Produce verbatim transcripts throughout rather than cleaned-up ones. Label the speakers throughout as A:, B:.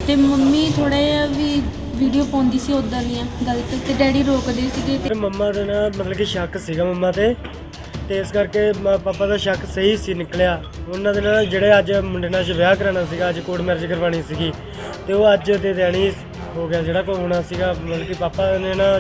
A: ਤੇ ਮੰਮੀ ਥੋੜਾ ਜਿਹਾ ਵੀ ਵੀਡੀਓ ਪਾਉਂਦੀ ਸੀ ਉੱਦਾਂ ਦੀਆਂ ਗਲਤ, ਤੇ ਡੈਡੀ ਰੋਕਦੇ ਸੀਗੇ। ਤੇ
B: ਮੰਮਾ ਦਾ ਨਾ ਮਤਲਬ ਕਿ ਸ਼ੱਕ ਸੀਗਾ ਮੰਮਾ ਤੇ ਤੇ ਇਸ ਕਰਕੇ ਮ- ਪਾਪਾ ਦਾ ਸ਼ੱਕ ਸਹੀ ਸੀ ਨਿਕਲਿਆ। ਉਹਨਾਂ ਦੇ ਨਾਲ ਜਿਹੜੇ ਅੱਜ ਮੁੰਡੇ ਨਾਲ ਵਿਆਹ ਕਰਾਉਣਾ ਸੀਗਾ, ਅੱਜ ਕੋਰਟ ਮੈਰਿਜ ਕਰਵਾਉਣੀ ਸੀਗੀ, ਤੇ ਉਹ ਅੱਜ ਦੇ ਦਿਨ ਹੀ ਹੋ ਗਿਆ ਜਿਹੜਾ ਕੋਈ ਹੋਣਾ ਸੀਗਾ। ਮਤਲਬ ਕਿ ਪਾਪਾ ਨੇ ਨਾ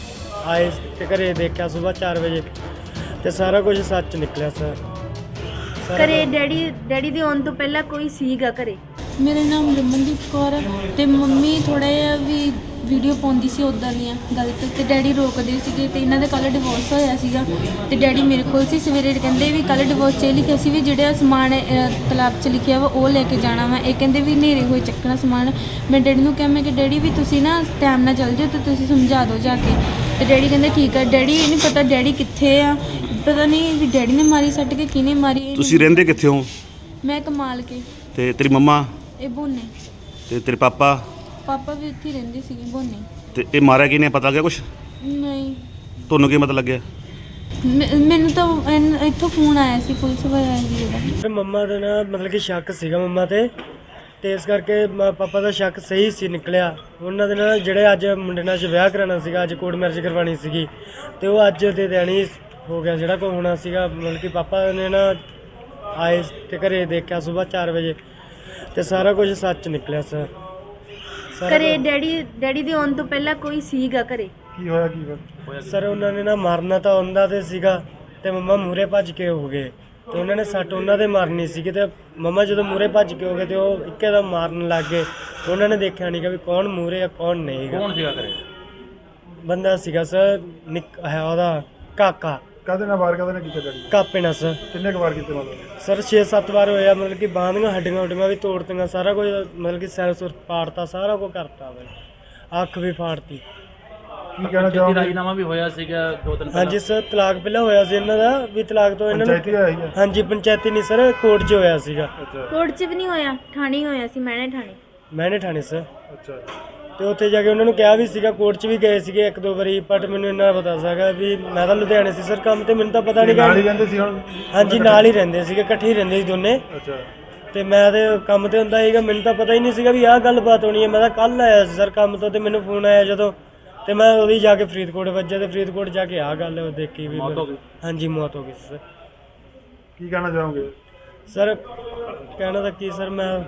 B: ਆਏ ਤੇ ਘਰੇ ਦੇਖਿਆ ਸਵੇਰ ਚਾਰ ਵਜੇ, ਤੇ ਸਾਰਾ ਕੁਝ ਸੱਚ ਨਿਕਲਿਆ ਸਰ। ਸਾਰਾ
C: ਘਰੇ ਡੈਡੀ ਡੈਡੀ ਦੇ ਆਉਣ ਤੋਂ ਪਹਿਲਾਂ ਕੋਈ ਸੀਗਾ ਘਰੇ?
A: ਮੇਰਾ ਨਾਮ ਰਮਨਦੀਪ ਕੌਰ ਹੈ, ਤੇ ਮੰਮੀ ਥੋੜਾ ਜਿਹਾ ਵੀ ਵੀਡੀਓ ਪਾਉਂਦੀ ਸੀ ਉੱਦਾਂ ਦੀਆਂ ਗਲਤ, ਤੇ ਡੈਡੀ ਰੋਕਦੇ ਸੀਗੇ। ਤੇ ਇਹਨਾਂ ਦਾ ਕੱਲ੍ਹ ਡਿਵੋਰਸ ਹੋਇਆ ਸੀਗਾ, ਤੇ ਡੈਡੀ ਮੇਰੇ ਕੋਲ ਸੀ। ਸਵੇਰੇ ਕਹਿੰਦੇ ਵੀ ਕੱਲ੍ਹ ਡਿਵੋਰਸ 'ਚ ਇਹ ਲਿਖਿਆ ਸੀ ਵੀ ਜਿਹੜਾ ਸਮਾਨ ਤਲਾਕ 'ਚ ਲਿਖਿਆ ਵਾ ਉਹ ਲੈ ਕੇ ਜਾਣਾ ਵਾ। ਇਹ ਕਹਿੰਦੇ ਵੀ ਹਨੇਰੇ ਹੋਏ ਚੱਕਣਾ ਸਮਾਨ। ਮੈਂ ਡੈਡੀ ਨੂੰ ਕਿਹਾ, ਮੈਂ ਕਿ ਡੈਡੀ ਵੀ ਤੁਸੀਂ ਨਾ ਟਾਈਮ ਨਾਲ ਚੱਲ ਜਾਓ ਤੇ ਤੁਸੀਂ ਸਮਝਾ ਦਿਓ ਜਾ ਕੇ। ਤੇ ਡੈਡੀ ਕਹਿੰਦੇ ਠੀਕ ਆ। ਡੈਡੀ ਇਹ ਨਹੀਂ ਪਤਾ ਡੈਡੀ ਕਿੱਥੇ ਆ, ਪਤਾ ਨਹੀਂ ਵੀ ਡੈਡੀ ਨੇ ਮਾਰੀ ਸੱਟ ਕੇ ਕਿਹਨੇ ਮਾਰੀ। ਇਹ
D: ਤੁਸੀਂ ਰਹਿੰਦੇ ਕਿੱਥੇ ਹੋ?
A: ਮੈਂ ਕਮਾਲ ਕੇ।
D: ਤੇ ਤੇਰੀ ਮੰਮਾ
A: ਇਹ ਬੋਨੇ
D: ਤੇ ਤੇਰੇ ਪਾਪਾ
A: ਪਾਪਾ ਵੀ ਉੱਥੇ ਹੀ ਰਹਿੰਦੇ ਸੀਗੇ ਬੋਨੇ।
D: ਤੇ ਇਹ ਮਾਰਿਆ ਕਿਹਨੇ, ਪਤਾ ਲੱਗਿਆ ਕੁਛ?
A: ਨਹੀਂ,
D: ਤੁਹਾਨੂੰ ਕੀ ਪਤਾ ਲੱਗਿਆ?
A: ਮੈ- ਮੈਨੂੰ ਤਾਂ ਇਨ- ਇੱਥੋਂ ਫੋਨ ਆਇਆ ਸੀ ਪੁਲਿਸ ਵਾਲਿਆਂ ਦੀ ਉਹਦਾ।
B: ਤੇ ਮੰਮਾ ਦਾ ਨਾ ਮਤਲਬ ਕਿ ਸ਼ੱਕ ਸੀਗਾ ਮੰਮਾ ਤੇ ਤੇ ਇਸ ਕਰਕੇ ਮ- ਪਾਪਾ ਦਾ ਸ਼ੱਕ ਸਹੀ ਸੀ ਨਿਕਲਿਆ। ਉਹਨਾਂ ਦੇ ਨਾਲ ਜਿਹੜੇ ਅੱਜ ਮੁੰਡੇ ਨਾਲ ਵਿਆਹ ਕਰਾਉਣਾ ਸੀਗਾ, ਅੱਜ ਕੋਰਟ ਮੈਰਿਜ ਕਰਵਾਉਣੀ ਸੀਗੀ, ਤੇ ਉਹ ਅੱਜ ਦੇ ਦਿਨ ਹੀ ਹੋ ਗਿਆ ਜਿਹੜਾ ਕੋਈ ਹੋਣਾ ਸੀਗਾ। ਮਤਲਬ ਕਿ ਪਾਪਾ ਨੇ ਨਾ ਆਏ ਤੇ ਘਰੇ ਦੇਖਿਆ ਸਵੇਰ ਚਾਰ ਵਜੇ, ਤੇ ਸਾਰਾ ਕੁਝ ਸੱਚ ਨਿਕਲਿਆ ਸਰ। ਸਾਰਾ
C: ਘਰੇ ਡੈਡੀ ਡੈਡੀ ਦੇ ਆਉਣ ਤੋਂ ਪਹਿਲਾਂ ਕੋਈ ਸੀਗਾ ਘਰੇ?
B: ਕੀ ਹੋਇਆ ਕੀ ਹੋਇਆ ਸਰ? ਉਹਨਾਂ ਨੇ ਨਾ ਮਾਰਨਾ ਤਾਂ ਉਹਨਾਂ ਦੇ ਸੀਗਾ, ਤੇ ਮੰਮਾ ਮੂਰੇ ਭੱਜ ਕੇ ਹੋ ਗਏ, ਤੇ ਉਹਨਾਂ ਨੇ ਸੱਟ ਉਹਨਾਂ ਦੇ ਮਾਰਨੀ ਸੀਗੀ। ਤੇ ਮੰਮਾ ਜਦੋਂ ਮੂਰੇ ਭੱਜ ਕੇ ਹੋ ਗਏ ਤੇ ਉਹ ਇੱਕੇ ਦਮ ਮਾਰਨ ਲੱਗ ਗਏ। ਉਹਨਾਂ ਨੇ ਦੇਖਿਆ ਨਹੀਂ ਕਿ ਵੀ ਕੌਣ ਮੂਰੇ ਆ ਕੌਣ ਨਹੀਂ।
E: ਕੌਣ ਸੀਗਾ ਘਰੇ?
B: ਬੰਦਾ ਸੀਗਾ ਸਰ, ਨਿੱਕ ਹੈ ਉਹਦਾ ਕਾਕਾ।
F: ਕਾਹਦੇ ਨਾਲ ਵਾਰ ਕਾਹਦੇ ਨਾਲ ਕੀਤਾ ਡੈਡੀ?
B: ਕਾਪੇ ਨਾਲ ਸਰ।
F: ਕਿੰਨੇ ਕੁ ਵਾਰ ਕੀਤੇ ਮਤਲਬ?
B: ਸਰ ਛੇ ਸੱਤ ਵਾਰ ਹੋਇਆ। ਮਤਲਬ ਕਿ ਬਾਂਹ ਦੀਆਂ ਹੱਡੀਆਂ ਹੁੱਡੀਆਂ ਵੀ ਤੋੜਤੀਆਂ, ਸਾਰਾ ਕੁਝ ਮਤਲਬ ਕਿ ਸਿਰ ਸੁਰ ਪਾੜਤਾ, ਸਾਰਾ ਕੁਝ ਕਰਤਾ ਬਈ, ਅੱਖ ਵੀ ਫਾੜਤੀ।
F: ਕੀ ਕਹਿਣਾ
E: ਪੰਚਾਇਤੀ
F: ਚਾਹੋਗੇ?
E: ਰਾਜੀਨਾਮਾ ਵੀ ਹੋਇਆ ਸੀਗਾ ਦੋ ਦਿਨ
B: ਹਾਂਜੀ ਸਰ, ਤਲਾਕ ਪਹਿਲਾਂ ਹੋਇਆ ਸੀ ਇਹਨਾਂ ਦਾ ਵੀ, ਤਲਾਕ ਤੋਂ ਇਹਨਾਂ
F: ਪੰਚਾਇਤੀ
B: ਨੂੰ
F: ਹੋਇਆ ਹੀ ਹੈ?
B: ਹਾਂਜੀ ਪੰਚਾਇਤੀ ਨਹੀਂ ਸਰ, ਕੋਰਟ 'ਚ ਹੋਇਆ ਸੀਗਾ।
F: ਅੱਛਾ
C: ਕੋਰਟ 'ਚ ਵੀ ਨਹੀਂ ਹੋਇਆ, ਥਾਣੇ ਹੀ ਹੋਇਆ ਸੀ, ਮੈਨੇ ਥਾਣੇ।
B: ਮੈਨੇ ਠਾਣੇ ਸਰ।
F: ਅੱਛਾ
B: ਤੇ ਉੱਥੇ ਜਾ ਕੇ ਉਹਨਾਂ ਨੂੰ ਕਿਹਾ ਵੀ ਸੀਗਾ, ਕੋਰਟ 'ਚ ਵੀ ਗਏ ਸੀਗੇ ਇੱਕ ਦੋ ਵਾਰੀ, ਬਟ ਮੈਨੂੰ ਇੰਨਾ ਪਤਾ ਸੀਗਾ ਵੀ ਮੈਂ ਤਾਂ ਲੁਧਿਆਣੇ ਸੀ ਸਰ ਕੰਮ ਤੇ, ਮੈਨੂੰ ਤਾਂ ਪਤਾ ਨਹੀਂ
F: ਨਾਲ ਹੀ
B: ਗਾ।
F: ਰਹਿੰਦੇ ਸੀ ਹੁਣ?
B: ਹਾਂਜੀ ਨਾਲ ਹੀ ਰਹਿੰਦੇ ਸੀਗੇ, ਇਕੱਠੇ ਹੀ ਰਹਿੰਦੇ ਸੀ ਦੋਨੇ।
F: ਅੱਛਾ
B: ਤੇ ਮੈਂ ਤੇ ਕੰਮ ਤੇ ਹੁੰਦਾ ਸੀਗਾ, ਮੈਨੂੰ ਤਾਂ ਪਤਾ ਹੀ ਨਹੀਂ ਸੀਗਾ ਵੀ ਆਹ ਗੱਲਬਾਤ ਹੋਣੀ ਹੈ। ਮੈਂ ਤਾਂ ਕੱਲ ਆਇਆ ਸੀ ਸਰ ਕੰਮ ਤੋਂ, ਤੇ ਮੈਨੂੰ ਫੋਨ ਆਇਆ ਜਦੋਂ, ਤੇ ਮੈਂ ਉਹਦੀ ਜਾ ਕੇ ਫਰੀਦਕੋਟ ਵੱਜਿਆ, ਤੇ ਫਰੀਦਕੋਟ ਜਾ ਕੇ ਆਹ ਗੱਲ ਦੇਖੀ ਵੀ
E: ਮੌਤ ਹੋ ਗਈ।
B: ਹਾਂਜੀ ਮੌਤ ਹੋ ਗਈ ਸਰ।
F: ਕੀ ਕਹਿਣਾ ਚਾਹੋਗੇ?
B: ਸਰ ਕਹਿਣਾ ਤਾਂ ਕੀ ਸਰ, ਮੈਂ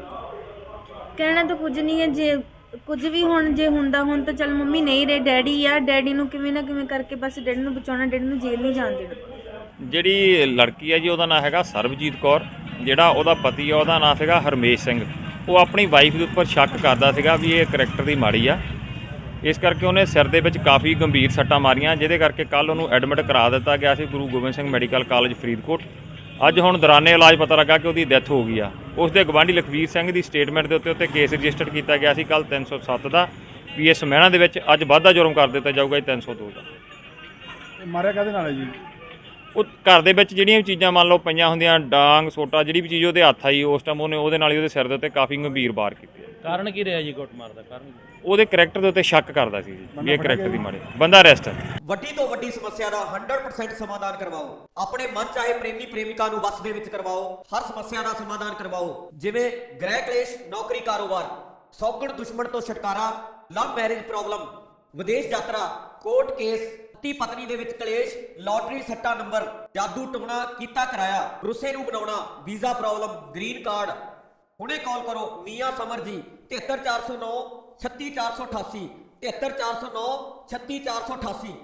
C: ਕਹਿਣਾ ਤਾਂ ਕੁਝ ਨਹੀਂ ਹੈ। ਜੇ ਕੁਝ ਵੀ ਹੁਣ ਜੇ ਹੁੰਦਾ ਹੁਣ ਤਾਂ ਚੱਲ ਮੰਮੀ ਨਹੀਂ ਰਹੇ, ਡੈਡੀ ਆ। ਡੈਡੀ ਨੂੰ ਕਿਵੇਂ ਨਾ ਕਿਵੇਂ ਕਰਕੇ ਬਸ ਡੈਡੀ ਨੂੰ ਬਚਾਉਣਾ, ਡੈਡੀ ਨੂੰ ਜੇਲ੍ਹ ਨਹੀਂ ਜਾਣ ਦੇਣਾ।
G: ਜਿਹੜੀ ਲੜਕੀ ਹੈ ਜੀ ਉਹਦਾ ਨਾਮ ਹੈਗਾ ਸਰਬਜੀਤ ਕੌਰ, ਜਿਹੜਾ ਉਹਦਾ ਪਤੀ ਆ ਉਹਦਾ ਨਾਮ ਸੀਗਾ ਹਰਮੇਸ਼ ਸਿੰਘ। ਉਹ ਆਪਣੀ ਵਾਈਫ ਦੇ ਉੱਪਰ ਸ਼ੱਕ ਕਰਦਾ ਸੀਗਾ ਵੀ ਇਹ ਕਰੈਕਟਰ ਦੀ ਮਾੜੀ ਆ, ਇਸ ਕਰਕੇ ਉਹਨੇ ਸਿਰ ਦੇ ਵਿੱਚ ਕਾਫੀ ਗੰਭੀਰ ਸੱਟਾਂ ਮਾਰੀਆਂ, ਜਿਹਦੇ ਕਰਕੇ ਕੱਲ੍ਹ ਉਹਨੂੰ ਐਡਮਿਟ ਕਰਾ ਦਿੱਤਾ ਗਿਆ ਸੀ ਗੁਰੂ ਗੋਬਿੰਦ ਸਿੰਘ ਮੈਡੀਕਲ ਕਾਲਜ ਫਰੀਦਕੋਟ। ਅੱਜ ਹੁਣ ਦੌਰਾਨੇ ਇਲਾਜ ਪਤਾ ਲੱਗਾ ਕਿ ਉਹਦੀ ਡੈਥ ਹੋ ਗਈ ਆ। ਉਸ ਦੇ ਗਵਾਂਢੀ ਲਖਵੀਰ ਸਿੰਘ ਦੀ ਸਟੇਟਮੈਂਟ ਦੇ ਉੱਤੇ ਉੱਤੇ ਕੇਸ ਰਜਿਸਟਰ ਕੀਤਾ ਗਿਆ ਸੀ ਕੱਲ੍ਹ ਤਿੰਨ ਸੌ ਸੱਤ ਦਾ ਪੀ ਐਸ ਮਹਿਣਾ ਦੇ ਵਿੱਚ। ਅੱਜ ਵਾਧਾ ਜੁਰਮ ਕਰ ਦਿੱਤਾ ਜਾਊਗਾ ਜੀ ਤਿੰਨ ਸੌ ਦੋ ਦਾ।
F: ਇਹ ਮਾਰਿਆ ਕਾਹਦੇ ਨਾਲ ਹੈ ਜੀ?
G: ਉਹ ਘਰ ਦੇ ਵਿੱਚ ਜਿਹੜੀਆਂ ਵੀ ਚੀਜ਼ਾਂ ਮੰਨ ਲਓ ਪਈਆਂ ਹੁੰਦੀਆਂ, ਡਾਂਗ ਸੋਟਾ ਜਿਹੜੀ ਵੀ ਚੀਜ਼ ਉਹਦੇ ਹੱਥ ਆਈ ਉਸ ਟਾਈਮ ਉਹਨੇ ਉਹਦੇ ਨਾਲ ਹੀ ਉਹਦੇ ਸਿਰ ਦੇ ਉੱਤੇ ਕਾਫੀ ਗੰਭੀਰ ਵਾਰ ਕੀਤੇ।
E: ਕਾਰਨ ਕੀ ਰਿਹਾ ਜੀ ਕੁੱਟਮਾਰ ਦਾ? ਕਾਰਨ ਕੀ?
G: ਉਹਦੇ ਕਰੈਕਟਰ ਦੇ ਉੱਤੇ ਸ਼ੱਕ ਕਰਦਾ ਸੀ ਜੀ ਵੀ ਇਹ ਕਰੈਕਟਰ ਦੀ ਮਾੜੀ। ਬੰਦਾ ਅਰੈਸਟ ਹੈ।
H: ਵੱਡੀ ਤੋਂ ਵੱਡੀ ਸਮੱਸਿਆ ਦਾ ਸੌ ਪਰਸੈਂਟ ਸਮਾਧਾਨ ਕਰਵਾਓ। ਆਪਣੇ ਮਨ ਚਾਹੇ ਪ੍ਰੇਮੀ ਪ੍ਰੇਮਿਕਾ ਨੂੰ ਵਸ ਦੇ ਵਿੱਚ ਕਰਵਾਓ। ਹਰ ਸਮੱਸਿਆ ਦਾ ਸਮਾਧਾਨ ਕਰਵਾਓ, ਜਿਵੇਂ ਗ੍ਰਹਿ ਕਲੇਸ਼, ਨੌਕਰੀ, ਕਾਰੋਬਾਰ, ਸੌਗਣ ਦੁਸ਼ਮਣ ਤੋਂ ਛੁਟਕਾਰਾ, ਲਵ ਮੈਰਿਜ ਪ੍ਰੋਬਲਮ, ਵਿਦੇਸ਼ ਯਾਤਰਾ, ਕੋਰਟ ਕੇਸ, ਪਤੀ ਪਤਨੀ ਦੇ ਵਿੱਚ ਕਲੇਸ਼, ਲਾਟਰੀ ਸੱਟਾ ਨੰਬਰ, ਜਾਦੂ ਟੋਣਾ ਕੀਤਾ ਕਰਾਇਆ, ਰੁੱਸੇ ਨੂੰ ਬਣਾਉਣਾ, ਵੀਜ਼ਾ ਪ੍ਰੋਬਲਮ, ਗ੍ਰੀਨ ਕਾਰਡ। ਹੁਣੇ ਕਾਲ ਕਰੋ ਮੀਆਂ ਸਮਰ ਜੀ, ਤਿਹੱਤਰ ਚਾਰ ਸੌ ਨੌ ਛੱਤੀ ਚਾਰ ਸੌ ਅਠਾਸੀ, ਤਿਹੱਤਰ ਚਾਰ ਸੌ ਨੌ ਛੱਤੀ ਚਾਰ ਸੌ ਅਠਾਸੀ।